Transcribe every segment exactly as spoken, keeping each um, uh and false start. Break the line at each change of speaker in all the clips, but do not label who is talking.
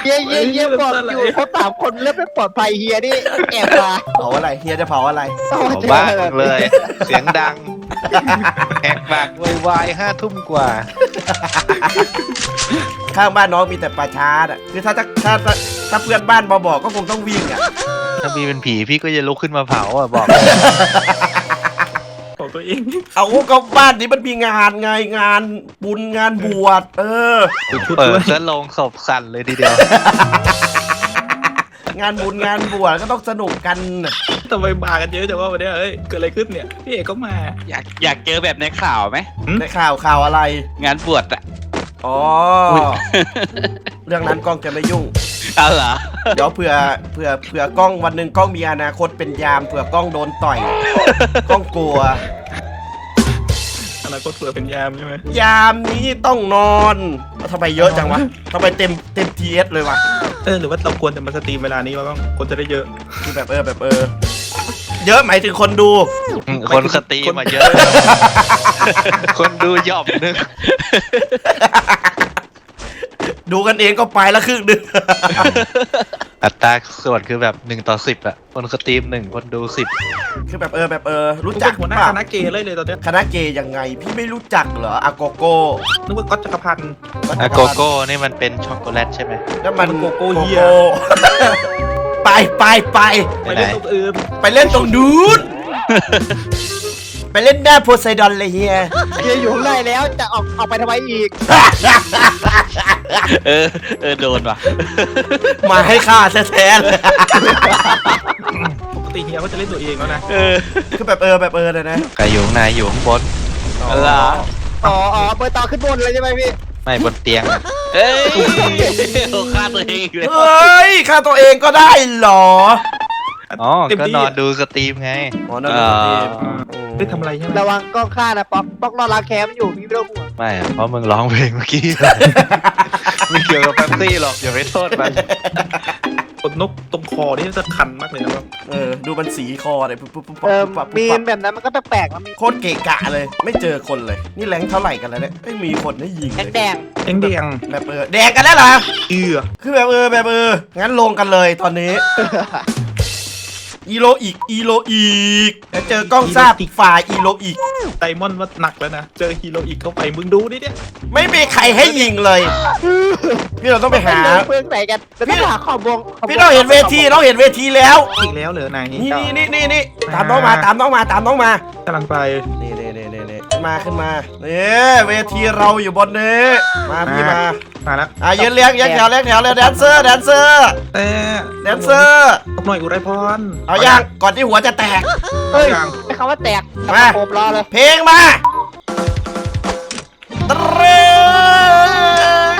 เฮียเฮียเฮียบอกอยู่เขาสามคนเริ่มไม่ปลอดภัยเฮียนี่แอบมา
เผาอะไรเฮียจะเผาอะไร
โอ้
เอา
เจอ
บ้าน
แบบ
เลย เสียงดังแหกปากวายห้าทุ่มกว่า
ข้างบ้านน้องมีแต่ป่าช้าอ่ะคือถ้าถ้าถ้าถ้าถ้าเพื่อนบ้านมาบอกก็คงต้องวิ่งอ่ะ
ถ้าพี่เป็นผีพี่ก็จะลุกขึ้นมาเผาอ่ะบอก
ของตัวเอง
เอาก็บ้านนี้มันมีงานไงงานบุญงานบวชเออ
เปิดซะลงศพสั่นเลยทีเดียว
งานบุญงานบวชก็ต้องสนุกกัน
ทำไมมากันเยอะจังว่าวันเนี้ยเอ้ยเกิดอะไรขึ้นเนี่ยพี่เอกก็มา
อยากอยากเจอแบบในข่าวไหม
ในข่าวข่าวอะไร
งานบวชอะ
อ๋อเรื่องนั้นกล้องจะไม่ยุ่ง
เอาเหรอ
เดี๋ยวเผื่อเผื่อเผื่อกล้องวันหนึ่งกล้องมีอนาคตเป็นยามเผื่อกล้องโดนต่อยกล้องกลัว
อนาคตเผื่อเป็นยามใช่ไหม
ยามนี้ต้องนอนทำไมเยอะจังวะทำไมเต็มเต็มทีเอสเลยวะ
เออหรือว่าเราควรจะมาสตรีมเวลานี้วะบ้างคนจะได้เยอะ
คือแบบเออแบบเออ เยอะหมายถึงคนดู
คนสตรีมมาเยอะ คนดูหย่อมนึง
ดูกันเองก็ไปละครึ่งหนึง
อัตราส่วนคือแบบหนึ่งต่อสิบอะคนสตรีมหนึ่งคนดูสิบ
คือแบบเออแบบเออ รู้
รู้
จั
จั
ก
กหัวหน้า
ป่ะ
คณะเกย์เลยเลยตอนเนี้ย
คณะเกย์ยังไง พี่ไม่รู้จักเหรออาโกโก้
นึกว่าก๊อตจักรพันธ์
อะโกโก้นี่มันเป็นช็อกโกแลตใช่ไหม
แล้วมัน
โกโก้เหี้ย
ไปไปไป
ไปเล่นตรงอื่น
ไปเล่นตรงนู้น ไปเล่นหน้าโพไซดอนเลยเฮีย
เฮียอยู่ข้างในแล้วจะออกออกไปทำไมอีก
เออเออโดนว่ะ
มาให้ฆ่าแท้ๆเลย
ปกติเฮียเขาจะเล่นตัวเองแล้วนะ
เออ
คือแบบเออแบบเออเลยนะ
ใครอยู่ข้างในอยู่ข้างบน
เหรอ
อ๋ออ๋อเปิดต่อขึ้นบนเลยใช่ไหมพี่
ไม่บนเตียงอะ
เอ้ยโอ้ฆ่าตัวเองอีกเลย
เฮ้ยฆ่าตัวเองก็ได้เหรอ
อ๋อ
เต็ม
ก็
ที่
นอนดูสตรีมไง
อ๋อนั่นเป็นสตรีม
ได้ทำอะไรใช่ไหม
ระวังกล้องฆ่านะป๊อกป๊อกนอนล้างแคมอยู่พี่ไม่ต้องห่วง
ไม่อะเพราะมึงร้องเพลงเมื่อกี้ ไม่เกี่ยวกับแป๊บซี่หรอกอย่าไปโทษมัน
ขนนกตรงคอนี่จะคันมากเลยนะครับ
เออ ดูมันสีคอเลยปุ๊บปุ๊บปุ๊บ
เออ
ปุ๊บปั๊บ
มี
ปุ๊บ
น
ปั๊บ
แบบนั้นมันก็แปลกๆแล้วมี
โคตรเกะกะเลย ไม่เจอคนเลย นี่แรงเท่าไหร่กันแล้วเนี่ยไม่มีคนให้ยิงเลย
แดง
แดงแดง
แบบเออแดงกันแล้วเหรอ
เอือ
คือแบบเออแบบเออ งั้นลงกันเลยตอนนี้ อีโลอีก อีโลอีกแล้วเจอกล้องทราบฝ่ายอีโลอีก
ไดมอนด์ว่าหนักแล้วนะ เจอฮีโร่อีกเข้าไปมึงดูดิเนี่ย
ไม่มีใครให้ยิงเลย พี่เราต้องไปหา
เพื่อนไหนกันจะต้องหาขอบวงขบวง
พี่เราเห็นเวทีเราเห็นเวทีแล้ว
อีกแล้วเหรอนาย
นี่นี่นี่นี่ตามน้องมาตามน้องมาตามน้องมาก
ำลังไป
นี่นี่นี่นี่นี่ขึ้นมาขึ้นมานี่เวทีเราอยู่บนนี้มาพี่มา
มาแล้ว
อ่ะยืนเรียงยืนแถวเรียงแถวเลยแดนเซอร์แดนเซอร์
แต่
แดนเซอร์
ตกหน่อยอุไรพร
เอายังก่อนที่หัวจะแตก
เฮ้ยไอ้คำว่าแตก
มา
ผมรอเลย
เพลงมาตรึ๊ง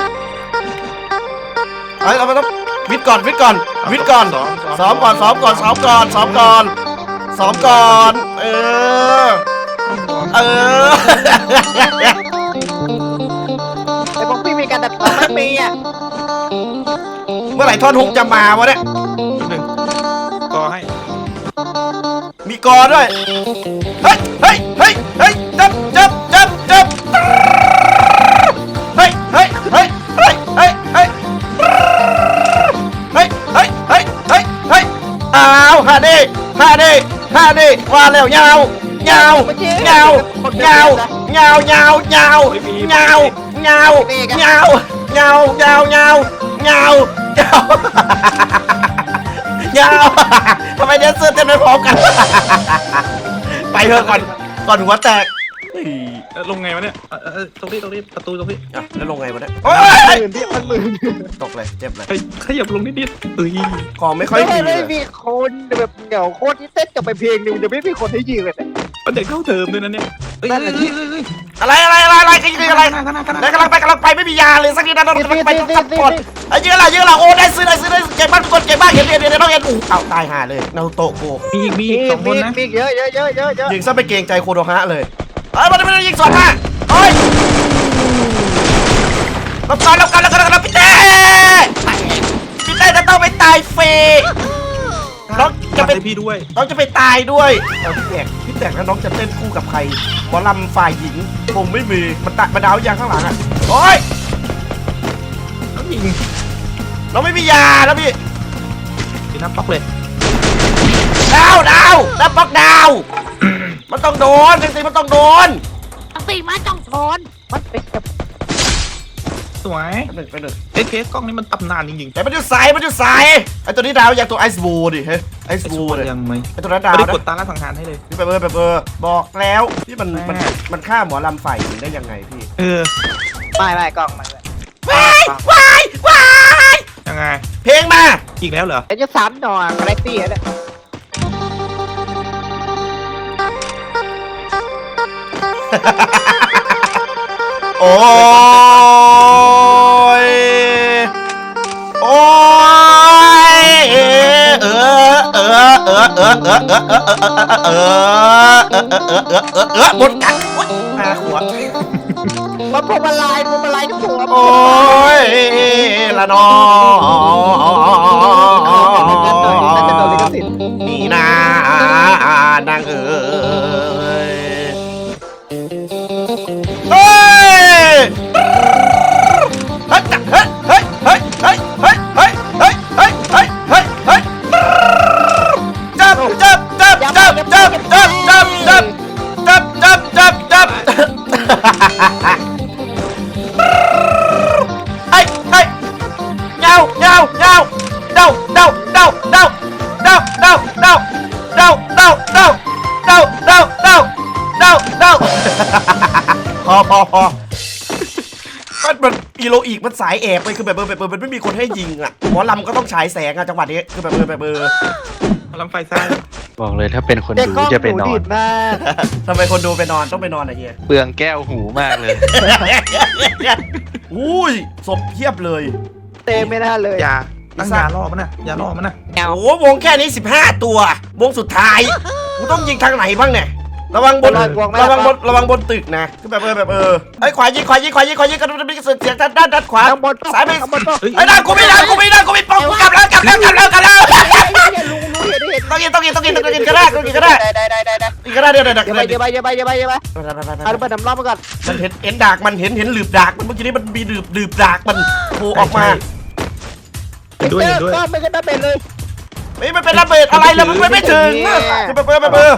เฮ้ยเราไม่ต้องวิทย์ก่อนวิทย์ก่อนวิทย์ก่อนซ้อมก่อนซ้อมก่อนซ้อมก่อนซ้อมก่อนซ้อมก่อนเออเออ
ไอ้พวกพี่มีการดัดต่อไม่มีอ่ะ
เมื่อไหร่ท่อนฮุกจะมาวะเนี่ย
หนึ่งก็ให้
มีกอด้วย เฮ้ย เฮ้ย เฮ้ย เฮ้ย จับจับจับจับเฮ้ย เฮ้ย เฮ้ย เฮ้ย เฮ้ย เฮ้ย เฮ้ย เฮ้ย เฮ้ย เฮ้ย เฮ้ย อ้าวฮาดิฮาดิฮาดิว่าแล้วยาวยาวยาวยาวยาวยาวยาวยาวยาวยาวยาวยาวยาวยาวยาวยาวทำไมเดนเซอร์เต้นไม่พร้อมกัน ไปเถอะก่อนก่อนหัวแตกเฮ้ย
เอ่อลงไงวะเนี่ยเอ่อเอ่อตรงนี้ตรงนี้ประตูตรงนี้
อ่ะแล้วลงไงวะเนี่ยโอ๊ย
หมื่นพี่มันหมื่น
ตกเลยเจ็บเลย
เฮ้ยขยับลงนิดนิดเอ้ย
ของไม่ค่อย
ไม่
มี
ไม่
เลย
มีคนแบบเดี๋ยวโคตรที่เต้นจบไปเพลงหนึงเดี๋ยวไม่มีคนให้ยิงเลยนะ
มันเด็กเข้าเทอมด้วยนะเนี่ยเอ้ยเอ้ยเอ้ยเอ้ยเอ้ย
อะไรอะไรอะไรอะไรกันยังอะไร
ข้างหน้าข้างหน้าข้างห
แล้ว
น้าก
ำลังไปกำลังไปไม่มียาเลยสักนิดนะเรากำลังไปต้องขับก่อนไอ้เยอะละเยอะละโอ้ได้ซื้อได้ซื้อได้เก่งมากทุกคนเก่งมากเห็นเห็นเห็นน้องเห็นอู้เอาตายห่าเลยนารูโตะโก
มีอีกมี
มี
อีกสองคนนะ
มีเยอะเยอะเยอะเยอะเยอะ
ยิงซะไปเกรงใจโคโดฮะเลยเอ้ยมันไม่ได้ยิงสวนมาเฮ้ยรับก่อนรับก่อนรับก่อนรับก่อนพี่เต้พี่เต้จะต้องไปตายฟรีน้องจะ
จะ
ไป
ไปพี่ด้วย
น้องจะไปตายด้วยเอาพี่แตกพี่แตกแล้วน้องจะเต้นคู่กับใครหมอลำฝ่ายหญิงคงไม่มีมันตะมาดาวยางข้างหลังอ่ะโอ้ย
ต้องยิง
เราไม่มียาแล้วพี่
กินน้ำป๊อกเลย
ดาวดาวน้ำปักดาว มันต้องโดนจริงๆมันต้องโดน
ตีมาจ้องทอนมันเป็นกับ
สวย
ไปหนึ่งไปหนึ่ง
เอ๊ะเคสกล้องนี้มันตำนานจริงๆ
แต่มันอยู่ใสมันอยู่ใสไอตัวนี้ดาวอย่างตัวไอซ์บูดิเฮ้ยไอซ์
ไอ้
บู
ชัว
เนี่ย
ยังไหม
ไอตัวนั้นดาว
ไม่ได้
นะ
กดตาล่าสังหารให้เลย
พี่ไปเบอร์ไปเบอร์บอกแล้วพี่มันมัน
แม่
มันฆ่าหมอลำฝ่ายหญิงได้ยังไงพี่
เออ
ไม่ไม่กล้องมันเลย
ว้ายวายวาย
ยังไง
เพลงมา
อีกแล้วเหรอ
เป็นจะสามหน่อคาแรคตี้เนี่ย
โอ้ยโอ้ยเออเออเออเออเออเออเออเออเออเออเออเออเออเออหมดกันห้าขวด
มันพวงมาลัยพวงมาลัยทุกหัว
โอ้ยละนอ
น่าจะโดนลิขสิทธิ์
นี่นานางเอ๋ยเฮ้ยเฮ้ยเฮ้ยเฮ้ยเฮ้ยเฮ้ยเฮ้ยเฮ้ยเฮ้ยเฮ้ยเฮ้ยเฮ้ยเฮ้ยจับจับจับจับจับจับจับจับจับจับจับจับเฮ้ยเฮ้ยเงาเงาเงาเดาเดาเดาเดาเดาเดาเดาเดาเดาเดาเดาเดาเดาเดาเดาพอพอพอมันมันอีโลอีกมันสายแอบไปคือแบบเบอร์แบบเบอร์มันไม่มีคนให้ยิงอ่ะหมอลำก็ต้องฉายแสงอ่ะจังหวะนี้คือแบบเบอร์แบบเบอร์
เอาลำไฟซ้าย
บอกเลยถ้าเป็นคน
เด็ก
ดู
กล้อง
จะไป
หนู
นอ
ดี
น
ดมาก
ทำไมคนดูไปนอนต้องไปนอนอะเฮีย
เปลืองแก้วหูมากเลย
อุ้ยศพเพียบเลย
เตะไม่น่าเลย
ยาตั้งยาล่อมันนะยาล่อมันนะ
โอ้โหวงแค่นี้สิบห้าตัว วงสุดท้ายกูต้องยิงทางไหนบ้างเนี่ย ระวังบน ระวังบน ระวังบนตึกนะคือแบบเออแบบเออไอ้ยขวายิงขวายิงขวายิงขวายิงกันมีเสียงด้านด้านด้านขวา
ข้างบน
ซ้ายไป
ข้างบนก็
ไอ้ยด้านกูไม่ด้านกูไม่ด้านกูไม่ป้องกูกลับแล้วกลับแล้วกลับแล้วกลับแล้ว
ลุงลุงเห็นเห็น
ต้องกินต้องกินต้องกินต้องกินก็ได้ต้องกินก็ได้
ได้ได้ได้ได้
กินก็ได้เดี๋ยวเดี๋ยวเดี๋ยว
อย่าไป
เดี๋ยว
อย่าไปอย่าไปอย่าไปอย่าไปเอาไปดำรอบมาก่อน
มันเห็นเห็นดากมันเห็นเห็นหลืบดากมันเมื่อกี้นี้มันมีหลืบหลืบดากมันโผล่ออกมา
เห็นด้วยเห็นด้วย
ก็ไม่ก็ได้เป็นเลย
ไม่มันเป็นระเบิดอะไรแล้วมันไม่ถึงคือแบบเออแบบเออ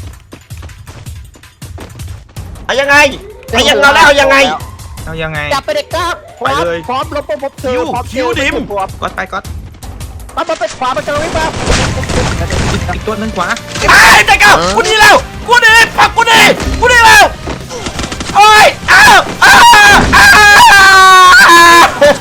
เอายังไงเอายังเราแล้วเอายังไง
เอายังไง
จับไปเด็กครับพร้อม
ไปเลย
พร้อมลบปุ๊บปุ๊บเจอพร้อม
คิวดิม
พร้อม
ก๊อตไปก๊อต
มันมาเป็นขวามันจะวิ่งมา
อีกอีกตัวหนึงขวา
ไอ้ใจเก้ากูดีแล้วกูดีปักกูดีกูดีแล้วโอ้ยอ้าวอ้าวอ้าว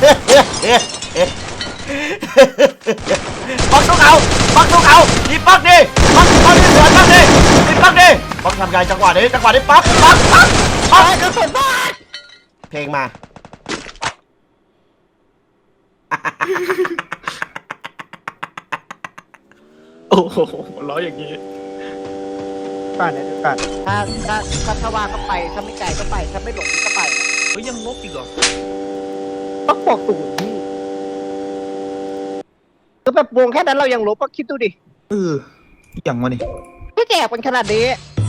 ปักทุกเอาปักทุกเอาดีปักดิปักปักดิสวนปักดิดีปักดิปักทำไงจังหวะนี้จังหวะนี้ปักปักปักปัก
กระสุนบ้า
เพลงมา
โอ้โหล้ออย่างนี้
ก่อนเนี่ยดูก่อนถ้าถ้าถ้าถ้าว่างก็ไปถ้าไม่ไกลก็ไปถ้าไม่หลงก็ไป
เฮ้ยยังลบอีกเหรอ
ต้องบอกสูตรพี่คือแบบวงแค่นั้นเรายังลบก็คิดดูดิ
เอออย่างวะนี่
ไม่แจกเป็นขนาดนี้
เ